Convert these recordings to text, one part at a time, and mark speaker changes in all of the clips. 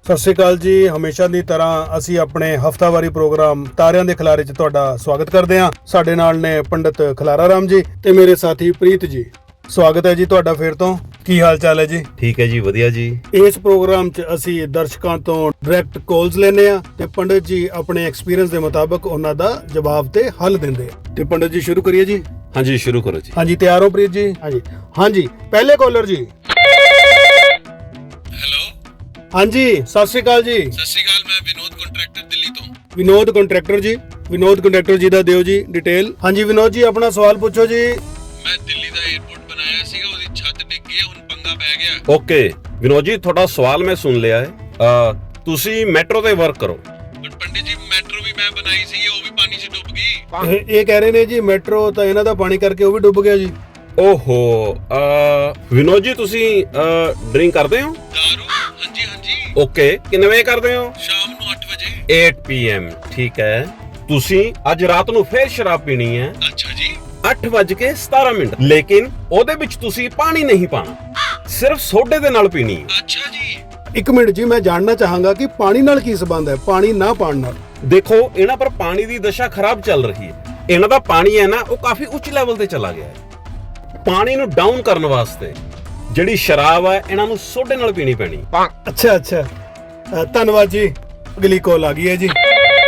Speaker 1: ਸਤਿ ਸ਼੍ਰੀ ਅਕਾਲ ਜੀ। ਹਮੇਸ਼ਾ ਦੀ ਤਰ੍ਹਾਂ ਅਸੀਂ ਆਪਣੇ ਹਫਤਾਵਾਰੀ ਪ੍ਰੋਗਰਾਮ ਤਾਰਿਆਂ ਦੇ ਖਿਲਾਰੇ 'ਚ ਤੁਹਾਡਾ ਸਵਾਗਤ ਕਰਦੇ ਹਾਂ। ਸਾਡੇ ਨਾਲ ਨੇ ਪੰਡਿਤ ਖਲਾਰਾ ਰਾਮ ਜੀ ਤੇ ਮੇਰੇ ਸਾਥੀ ਪ੍ਰੀਤ ਜੀ। ਸਵਾਗਤ ਹੈ ਜੀ ਤੁਹਾਡਾ ਫੇਰ ਤੋਂ। ਕੀ ਹਾਲ ਚਾਲ ਹੈ ਜੀ?
Speaker 2: ਠੀਕ ਹੈ ਜੀ, ਵਧੀਆ ਜੀ।
Speaker 1: ਇਸ ਪ੍ਰੋਗਰਾਮ 'ਚ ਅਸੀਂ ਦਰਸ਼ਕਾਂ ਤੋਂ ਡਾਇਰੈਕਟ ਕਾਲਸ ਲੈਨੇ ਆ ਤੇ ਪੰਡਿਤ ਜੀ ਆਪਣੇ ਐਕਸਪੀਰੀਅੰਸ ਦੇ ਮੁਤਾਬਕ ਉਹਨਾਂ ਦਾ ਜਵਾਬ ਤੇ ਹੱਲ ਦਿੰਦੇ ਆ। ਤੇ ਪੰਡਿਤ ਜੀ ਸ਼ੁਰੂ ਕਰੀਏ ਜੀ।
Speaker 2: ਹਾਂਜੀ, ਸ਼ੁਰੂ ਕਰੋ ਜੀ।
Speaker 1: ਹਾਂਜੀ, ਤਿਆਰ ਹੋ ਪ੍ਰੀਤ ਜੀ? ਹਾਂਜੀ ਪਹਿਲੇ ਕਾਲਰ ਜੀ। ਹਾਂਜੀ, ਸਤਿ ਸ਼੍ਰੀ ਅਕਾਲ ਜੀ।
Speaker 3: ਸਤਿ ਸ਼੍ਰੀ ਅਕਾਲ, ਮੈਂ ਵਿਨੋਦ ਕੰਟਰੈਕਟਰ ਦਿੱਲੀ ਤੋਂ।
Speaker 1: ਵਿਨੋਦ ਕੰਟਰੈਕਟਰ ਜੀ, ਵਿਨੋਦ ਕੰਟਰੈਕਟਰ ਜੀ ਦਾ ਦਿਓ ਜੀ ਡਿਟੇਲ। ਹਾਂਜੀ ਵਿਨੋਦ ਜੀ, ਆਪਣਾ ਸਵਾਲ ਪੁੱਛੋ ਜੀ।
Speaker 3: ਮੈਂ ਦਿੱਲੀ ਦਾ 에ਅਰਪੋਰਟ ਬਣਾਇਆ ਸੀਗਾ, ਉਹਦੀ ਛੱਤ ਡਿੱਗ ਗਈ, ਹੁਣ ਪੰਗਾ ਪੈ ਗਿਆ।
Speaker 2: ਓਕੇ ਵਿਨੋਦ ਜੀ, ਤੁਹਾਡਾ ਸਵਾਲ ਮੈਂ ਸੁਣ ਲਿਆ ਹੈ। ਤੁਸੀਂ ਮੈਟਰੋ ਤੇ ਵਰਕ ਕਰੋ।
Speaker 3: ਪਰ ਪੰਡਿਤ ਜੀ, ਮੈਟਰੋ ਵੀ ਮੈਂ ਬਣਾਈ ਸੀ, ਉਹ ਵੀ ਪਾਣੀ 'ਚ ਡੁੱਬ ਗਈ।
Speaker 1: ਇਹ ਕਹਿ ਰਹੇ ਨੇ ਜੀ ਮੈਟਰੋ ਤਾਂ ਇਹਨਾਂ ਦਾ ਪਾਣੀ ਕਰਕੇ ਉਹ ਵੀ ਡੁੱਬ ਗਿਆ ਜੀ।
Speaker 2: ਓਹੋ, ਵਿਨੋਦ ਜੀ ਤੁਸੀਂ ਡਰਿੰਕ ਕਰਦੇ ਹੋ?
Speaker 3: ਦਾਰੂ? ਹਾਂਜੀ ਹਾਂਜੀ।
Speaker 2: ਓਕੇ, ਕਿੰਨੇ ਵਜੇ ਕਰਦੇ ਹੋ?
Speaker 3: ਸ਼ਾਮ ਨੂੰ 8 ਵਜੇ।
Speaker 2: 8 PM, ਠੀਕ ਹੈ। ਤੁਸੀਂ ਅੱਜ ਰਾਤ ਨੂੰ ਫੇਰ ਸ਼ਰਾਬ ਪੀਣੀ ਹੈ।
Speaker 3: ਅੱਛਾ ਜੀ।
Speaker 2: 8:17, ਲੇਕਿਨ ਉਹਦੇ ਵਿੱਚ ਤੁਸੀਂ ਪਾਣੀ ਨਹੀਂ ਪਾਣਾ, ਸਿਰਫ ਸੋਡੇ ਦੇ ਨਾਲ ਪੀਣੀ ਹੈ।
Speaker 3: ਅੱਛਾ ਜੀ।
Speaker 1: ਇੱਕ ਮਿੰਟ ਜੀ, ਮੈਂ ਜਾਣਨਾ ਚਾਹਾਂਗਾ ਕਿ ਪਾਣੀ ਨਾਲ ਕੀ ਸੰਬੰਧ ਹੈ, ਪਾਣੀ ਨਾ ਪਾਣ ਨਾਲ?
Speaker 2: ਦੇਖੋ, ਇਹਨਾਂ ਪਰ ਪਾਣੀ ਦੀ ਦਸ਼ਾ ਖਰਾਬ ਚੱਲ ਰਹੀ ਹੈ। ਇਹਨਾਂ ਦਾ ਪਾਣੀ ਹੈ ਨਾ, ਉਹ ਕਾਫੀ ਉੱਚ ਲੈਵਲ ਤੇ ਚਲਾ ਗਿਆ ਹੈ। ਪਾਣੀ ਨੂੰ ਡਾਊਨ ਕਰਨ ਵਾਸਤੇ ਜਿਹੜੀ ਸ਼ਰਾਬ ਹੈ, ਇਹਨਾਂ ਨੂੰ ਸੋਡੇ ਨਾਲ ਪੀਣੀ ਪੈਣੀ।
Speaker 1: ਅੱਛਾ, ਧੰਨਵਾਦ ਜੀ। ਅਗਲੀ ਕਾਲ ਆ ਗਈ ਹੈ ਜੀ।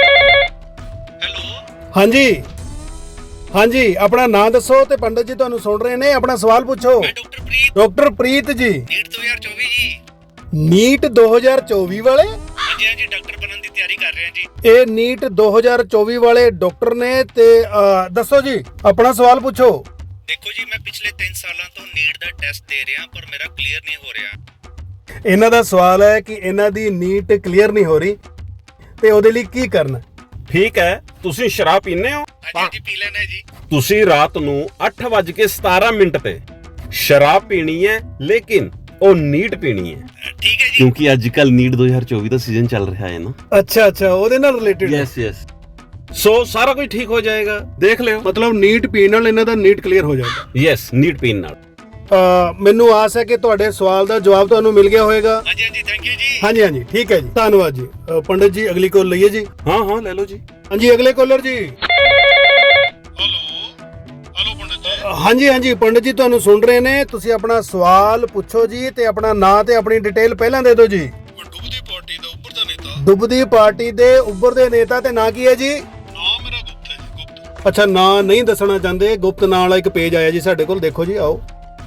Speaker 3: ਹੈਲੋ।
Speaker 1: ਹਾਂਜੀ, ਆਪਣਾ ਨਾਮ ਦੱਸੋ ਤੇ ਪੰਡਿਤ ਜੀ ਤੁਹਾਨੂੰ ਸੁਣ ਰਹੇ ਨੇ, ਆਪਣਾ ਸਵਾਲ ਪੁੱਛੋ।
Speaker 3: ਮੈਂ ਡਾਕਟਰ ਪ੍ਰੀਤ।
Speaker 1: ਡਾਕਟਰ ਪ੍ਰੀਤ ਜੀ,
Speaker 3: ਨੀਟ 2024 ਜੀ।
Speaker 1: ਨੀਟ 2024 ਵਾਲੇ?
Speaker 3: ਹਾਂਜੀ ਹਾਂਜੀ, ਡਾਕਟਰ ਬਣਨ ਦੀ ਤਿਆਰੀ ਕਰ ਰਹੇ ਹਾਂ ਜੀ।
Speaker 1: ਇਹ ਨੀਟ 2024 ਵਾਲੇ ਡਾਕਟਰ ਨੇ ਤੇ ਦੱਸੋ ਜੀ, ਆਪਣਾ ਸਵਾਲ ਪੁੱਛੋ।
Speaker 3: ਦੇਖੋ ਜੀ, ਮੈਂ ਪਿਛਲੇ 3 ਸਾਲਾਂ ਤੋਂ ਨੀਟ ਦਾ ਟੈਸਟ ਦੇ ਰਿਹਾ, ਪਰ ਮੇਰਾ ਕਲੀਅਰ ਨਹੀਂ ਹੋ ਰਿਹਾ।
Speaker 1: ਇਹਨਾਂ ਦਾ ਸਵਾਲ ਹੈ ਕਿ ਇਹਨਾਂ ਦੀ ਨੀਟ ਕਲੀਅਰ ਨਹੀਂ ਹੋ ਰਹੀ ਤੇ ਉਹਦੇ ਲਈ ਕੀ ਕਰਨਾ?
Speaker 2: ਠੀਕ ਹੈ, ਤੁਸੀਂ ਸ਼ਰਾਬ ਪੀਂਦੇ ਹੋ?
Speaker 3: ਹਾਂਜੀ ਪੀ ਲੈਣਾ ਜੀ।
Speaker 2: ਤੁਸੀਂ ਰਾਤ ਨੂੰ 8:17 ਤੇ ਸ਼ਰਾਬ ਪੀਣੀ ਹੈ, ਲੇਕਿਨ ਉਹ ਨੀਟ ਪੀਣੀ ਹੈ,
Speaker 3: ਠੀਕ ਹੈ ਜੀ।
Speaker 2: ਕਿਉਂਕਿ ਅੱਜ ਕੱਲ ਨੀਟ 2024 ਦਾ ਸੀਜ਼ਨ ਚੱਲ ਰਿਹਾ ਹੈ ਨਾ।
Speaker 1: ਅੱਛਾ, ਉਹਦੇ ਨਾਲ ਰਿਲੇਟਡ?
Speaker 2: ਯੈਸ। ਸੋ ਸਾਰਾ ਕੁਝ ਠੀਕ ਹੋ ਜਾਏਗਾ, ਦੇਖ ਲਿਓ।
Speaker 1: ਮਤਲਬ ਨੀਟ ਪੀਣ ਨਾਲ ਇਹਨਾਂ ਦਾ ਨੀਟ ਕਲੀਅਰ ਹੋ ਜਾਏਗਾ?
Speaker 2: ਯੈਸ, ਨੀਟ ਪੀਣ ਨਾਲ।
Speaker 1: ਮੈਨੂੰ ਆਸ ਹੈ ਕਿ ਤੁਹਾਡੇ ਸਵਾਲ ਦਾ ਜਵਾਬ ਤੁਹਾਨੂੰ ਮਿਲ ਗਿਆ ਹੋਵੇਗਾ।
Speaker 3: ਹਾਂਜੀ ਹਾਂਜੀ, ਥੈਂਕ ਯੂ ਜੀ।
Speaker 1: ਹਾਂਜੀ, ਠੀਕ ਹੈ ਜੀ, ਧੰਨਵਾਦ ਜੀ। ਪੰਡਿਤ ਜੀ ਅਗਲੀ ਕਾਲ ਲਈਏ ਜੀ।
Speaker 2: ਹਾਂ ਲੈ ਲਓ ਜੀ।
Speaker 1: ਹਾਂਜੀ, ਅਗਲੇ ਕਾਲਰ ਜੀ।
Speaker 3: ਹੈਲੋ ਪੰਡਿਤ ਜੀ।
Speaker 1: ਹਾਂਜੀ ਪੰਡਿਤ ਜੀ ਤੁਹਾਨੂੰ ਸੁਣ ਰਹੇ ਨੇ, ਤੁਸੀਂ ਆਪਣਾ ਸਵਾਲ ਪੁੱਛੋ ਜੀ ਤੇ ਆਪਣਾ ਨਾਂ ਤੇ ਆਪਣੀ ਡਿਟੇਲ ਪਹਿਲਾਂ ਦੇ ਦਿਓ ਜੀ।
Speaker 3: ਡੁੱਬਦੀ ਪਾਰਟੀ ਦਾ ਉੱਪਰ ਦਾ ਨੇਤਾ।
Speaker 1: ਡੁੱਬਦੀ ਪਾਰਟੀ ਦੇ ਉੱਭਰਦੇ ਨੇਤਾ ਤੇ ਨਾਂ ਕੀ ਹੈ ਜੀ?
Speaker 3: ਨਾਮ ਮੇਰਾ ਗੁਪਤ ਹੈ ਜੀ, ਗੁਪਤ।
Speaker 1: ਅੱਛਾ, ਨਾਂ ਨਹੀਂ ਦੱਸਣਾ ਚਾਹੁੰਦੇ। ਗੁਪਤ ਨਾਂ ਵਾਲਾ ਇੱਕ ਪੇਜ ਆਇਆ ਜੀ ਸਾਡੇ ਕੋਲ, ਦੇਖੋ ਜੀ, ਆਓ।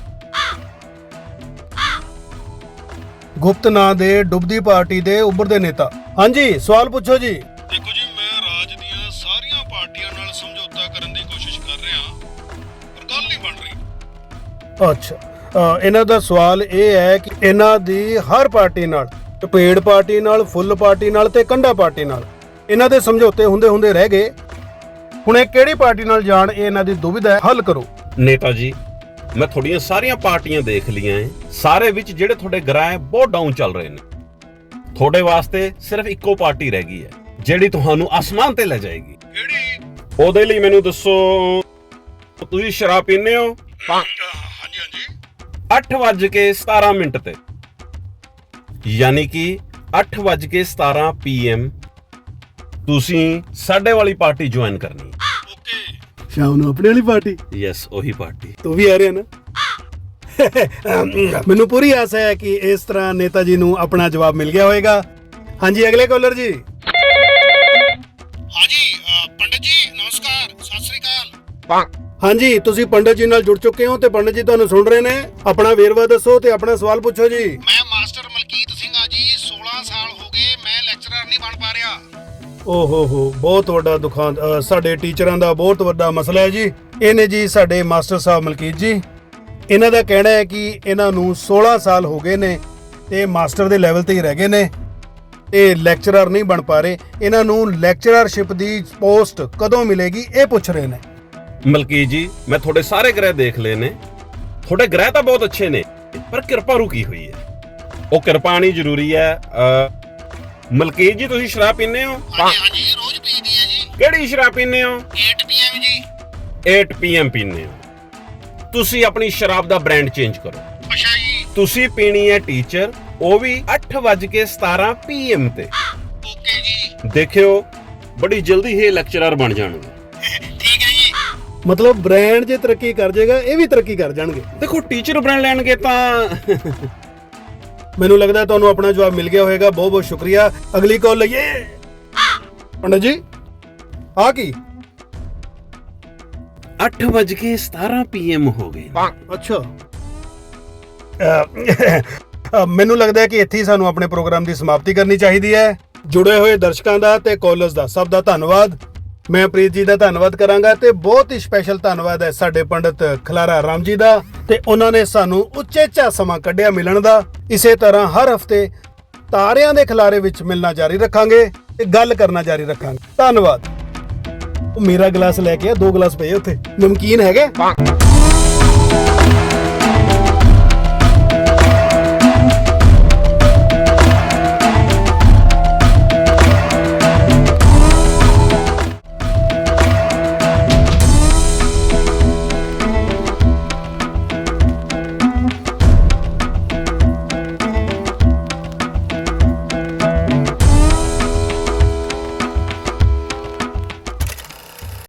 Speaker 1: ਗੁਪਤ ਨਾਂ ਦੇ ਡੁੱਬਦੀ ਪਾਰਟੀ ਦੇ ਉੱਭਰਦੇ ਨੇਤਾ। ਹਾਂਜੀ, ਸਵਾਲ ਪੁੱਛੋ ਜੀ।
Speaker 3: ਦੇਖੋ ਜੀ, ਮੈਂ ਰਾਜ ਦੀਆਂ ਸਾਰੀਆਂ ਪਾਰਟੀਆਂ ਨਾਲ ਸਮਝੌਤਾ ਕਰਨ ਦੀ ਕੋਸ਼ਿਸ਼ ਕਰ ਰਿਹਾ, ਪਰ ਗੱਲ ਨਹੀਂ ਬਣ ਰਹੀ।
Speaker 1: ਅੱਛਾ, ਇਹਨਾਂ ਦਾ ਸਵਾਲ ਇਹ ਹੈ ਕਿ ਇਹਨਾਂ ਦੀ ਹਰ ਪਾਰਟੀ ਨਾਲ, ਟਪੇੜ ਪਾਰਟੀ ਨਾਲ, ਫੁੱਲ ਪਾਰਟੀ ਨਾਲ ਤੇ ਕੰਡਾ ਪਾਰਟੀ ਨਾਲ ਇਹਨਾਂ ਦੇ ਸਮਝੌਤੇ ਹੁੰਦੇ ਰਹਿ ਗਏ। ਹੁਣ ਇਹ ਕਿਹੜੀ ਪਾਰਟੀ ਨਾਲ ਜਾਣ, ਇਹ ਇਹਨਾਂ ਦੀ ਦੁਵਿਧਾ ਹੈ, ਹੱਲ ਕਰੋ।
Speaker 2: ਨੇਤਾ ਜੀ, ਮੈਂ ਤੁਹਾਡੀਆਂ ਸਾਰੀਆਂ ਪਾਰਟੀਆਂ ਦੇਖ ਲਈਆਂ ਹੈ। ਸਾਰੇ ਵਿੱਚ ਜਿਹੜੇ ਤੁਹਾਡੇ ਗ੍ਰਾਹ ਬਹੁਤ ਡਾਊਨ ਚੱਲ ਰਹੇ ਨੇ। ਤੁਹਾਡੇ ਵਾਸਤੇ ਸਿਰਫ ਇੱਕੋ ਪਾਰਟੀ ਰਹਿ ਗਈ ਹੈ, ਜਿਹੜੀ ਤੁਹਾਨੂੰ ਆਸਮਾਨ ਤੇ ਲੈ ਜਾਏਗੀ।
Speaker 3: ਕਿਹੜੀ?
Speaker 2: ਉਹਦੇ ਲਈ ਮੈਨੂੰ ਦੱਸੋ, ਤੁਸੀਂ ਸ਼ਰਾਬ ਪੀਂਦੇ ਹੋ?
Speaker 3: ਹਾਂਜੀ।
Speaker 2: 8:17 ਤੇ, ਯਾਨੀ ਕਿ 8:17 PM ਤੁਸੀਂ ਸਾਡੇ ਵਾਲੀ ਪਾਰਟੀ ਜੁਆਇਨ ਕਰਨੀ।
Speaker 3: ਓਕੇ।
Speaker 1: ਸ਼ਾਮ ਨੂੰ ਆਪਣੀ ਵਾਲੀ ਪਾਰਟੀ?
Speaker 2: ਯੈਸ, ਉਹੀ ਪਾਰਟੀ।
Speaker 1: ਤੂੰ ਵੀ ਆ ਰਿਹਾ ਨਾ? ਮੈਨੂੰ ਪੂਰੀ ਆਸ ਹੈ ਕਿ ਇਸ ਤਰ੍ਹਾਂ ਨੇਤਾ ਜੀ ਨੂੰ ਆਪਣਾ ਜਵਾਬ ਮਿਲ ਗਿਆ ਹੋਵੇਗਾ। ਹਾਂਜੀ, ਅਗਲੇ ਕਾਲਰ ਜੀ।
Speaker 3: ਹਾਂਜੀ ਪੰਡਿਤ ਜੀ, ਨਮਸਕਾਰ, ਸਤਿ ਸ੍ਰੀ ਅਕਾਲ।
Speaker 1: ਹਾਂਜੀ, ਤੁਸੀਂ ਪੰਡਿਤ ਜੀ ਨਾਲ ਜੁੜ ਚੁੱਕੇ ਹੋ ਤੇ ਪੰਡਿਤ ਜੀ ਤੁਹਾਨੂੰ ਸੁਣ ਰਹੇ ਨੇ। ਆਪਣਾ ਵੇਰਵਾ ਦੱਸੋ ਤੇ ਆਪਣਾ ਸਵਾਲ ਪੁੱਛੋ ਜੀ।
Speaker 3: ਮੈਂ ਮਾਸਟਰ ਮਲਕੀਤ ਸਿੰਘ ਆ ਜੀ। 16 ਸਾਲ ਹੋ ਗਏ, ਮੈਂ ਲੈਕਚਰਰ ਨਹੀਂ ਬਣ ਪਾ ਰਿਹਾ।
Speaker 1: ਓਹੋ, ਬਹੁਤ ਵੱਡਾ ਦੁਖਾਂਤ। ਸਾਡੇ ਟੀਚਰਾਂ ਦਾ ਬਹੁਤ ਵੱਡਾ ਮਸਲਾ ਹੈ ਜੀ। ਇਹ ਨੇ ਜੀ ਸਾਡੇ ਮਾਸਟਰ ਸਾਹਿਬ ਮਲਕੀਤ ਜੀ। ਇਹਨਾਂ ਦਾ ਕਹਿਣਾ ਹੈ ਕਿ ਇਹਨਾਂ ਨੂੰ 16 ਸਾਲ ਹੋ ਗਏ ਨੇ ਤੇ ਮਾਸਟਰ ਦੇ ਲੈਵਲ ਤੇ ਹੀ ਰਹਿ ਗਏ ਨੇ ਤੇ ਲੈਕਚਰਰ ਨਹੀਂ ਬਣ ਪਾ ਰਹੇ। ਇਹਨਾਂ ਨੂੰ ਲੈਕਚਰਰਸ਼ਿਪ ਦੀ ਪੋਸਟ ਕਦੋਂ ਮਿਲੇਗੀ, ਇਹ ਪੁੱਛ ਰਹੇ ਨੇ।
Speaker 2: ਮਲਕੀਤ ਜੀ, ਮੈਂ ਤੁਹਾਡੇ ਸਾਰੇ ਗ੍ਰਹਿ ਦੇਖ ਲਏ ਨੇ। ਤੁਹਾਡੇ ਗ੍ਰਹਿ ਤਾਂ ਬਹੁਤ ਅੱਛੇ ਨੇ, ਪਰ ਕਿਰਪਾ ਰੁਕੀ ਹੋਈ ਹੈ। ਉਹ ਕਿਰਪਾ ਨਹੀਂ ਜ਼ਰੂਰੀ ਹੈ। ਮਲਕੀਤ ਜੀ, ਤੁਸੀਂ ਸ਼ਰਾਬ ਪੀਂਦੇ ਹੋ?
Speaker 3: ਹਾਂਜੀ, ਰੋਜ਼ ਪੀਦੀ ਹੈ ਜੀ।
Speaker 2: ਕਿਹੜੀ ਸ਼ਰਾਬ ਪੀਂਦੇ ਹੋ?
Speaker 3: 8 PM ਜੀ।
Speaker 2: 8 PM ਪੀਂਦੇ ਹੋ? ਤੁਸੀਂ ਆਪਣੀ ਸ਼ਰਾਬ ਦਾ ਬ੍ਰਾਂਡ ਚੇਂਜ ਕਰੋ।
Speaker 3: ਅੱਛਾ ਜੀ।
Speaker 2: ਤੁਸੀਂ ਪੀਣੀ ਹੈ ਟੀਚਰ, ਉਹ ਵੀ 8:17 PM ਤੇ।
Speaker 3: ਓਕੇ ਜੀ।
Speaker 2: ਦੇਖਿਓ ਬੜੀ ਜਲਦੀ ਇਹ ਲੈਕਚਰਰ ਬਣ ਜਾਣਗੇ।
Speaker 3: ਠੀਕ ਹੈ ਜੀ।
Speaker 1: ਮਤਲਬ ਬ੍ਰਾਂਡ ਜੇ ਤਰੱਕੀ ਕਰ ਜਾਏਗਾ ਇਹ ਵੀ ਤਰੱਕੀ ਕਰ ਜਾਣਗੇ।
Speaker 2: ਦੇਖੋ ਟੀਚਰ ਬਣ ਲੈਣਗੇ ਤਾਂ
Speaker 1: ਮੈਨੂੰ ਲੱਗਦਾ ਤੁਹਾਨੂੰ ਆਪਣਾ ਜਵਾਬ ਮਿਲ ਗਿਆ ਹੋਵੇਗਾ। ਬਹੁਤ ਬਹੁਤ ਸ਼ੁਕਰੀਆ। ਅਗਲੀ ਕਾਲ ਲਈਏ। ਪੰਡਤ ਜੀ ਆ ਕੀ?
Speaker 2: 8:17 PM ਹੋ ਗਏ।
Speaker 1: ਅੱਛਾ ਮੈਨੂੰ ਲੱਗਦਾ ਹੈ ਕਿ ਇੱਥੇ ਹੀ ਸਾਨੂੰ ਆਪਣੇ ਪ੍ਰੋਗਰਾਮ ਦੀ ਸਮਾਪਤੀ ਕਰਨੀ ਚਾਹੀਦੀ ਹੈ। ਜੁੜੇ ਹੋਏ ਦਰਸ਼ਕਾਂ ਦਾ ਤੇ ਕਾਲਰਸ ਦਾ ਸਭ ਦਾ ਧੰਨਵਾਦ। ਮੈਂ ਪ੍ਰੀਤ ਜੀ ਦਾ ਧੰਨਵਾਦ ਕਰਾਂਗਾ ਤੇ ਬਹੁਤ ਹੀ ਸਪੈਸ਼ਲ ਧੰਨਵਾਦ ਹੈ ਸਾਡੇ ਪੰਡਤ ਖਲਾਰਾ ਰਾਮ ਜੀ ਦਾ ਤੇ ਉਹਨਾਂ ਨੇ ਸਾਨੂੰ ਉਚੇਚਾ ਸਮਾਂ ਕੱਢਿਆ ਮਿਲਣ ਦਾ। ਇਸੇ ਤਰ੍ਹਾਂ ਹਰ ਹਫਤੇ ਤਾਰਿਆਂ ਦੇ ਖਿਲਾਰੇ ਵਿੱਚ ਮਿਲਣਾ ਜਾਰੀ ਰੱਖਾਂਗੇ ਤੇ ਗੱਲ ਕਰਨਾ ਜਾਰੀ ਰੱਖਾਂਗੇ। ਧੰਨਵਾਦ। ਉਹ ਮੇਰਾ ਗਲਾਸ ਲੈ ਕੇ ਆ, 2 ਗਲਾਸ ਪਏ ਉੱਥੇ। ਨਮਕੀਨ ਹੈਗੇ?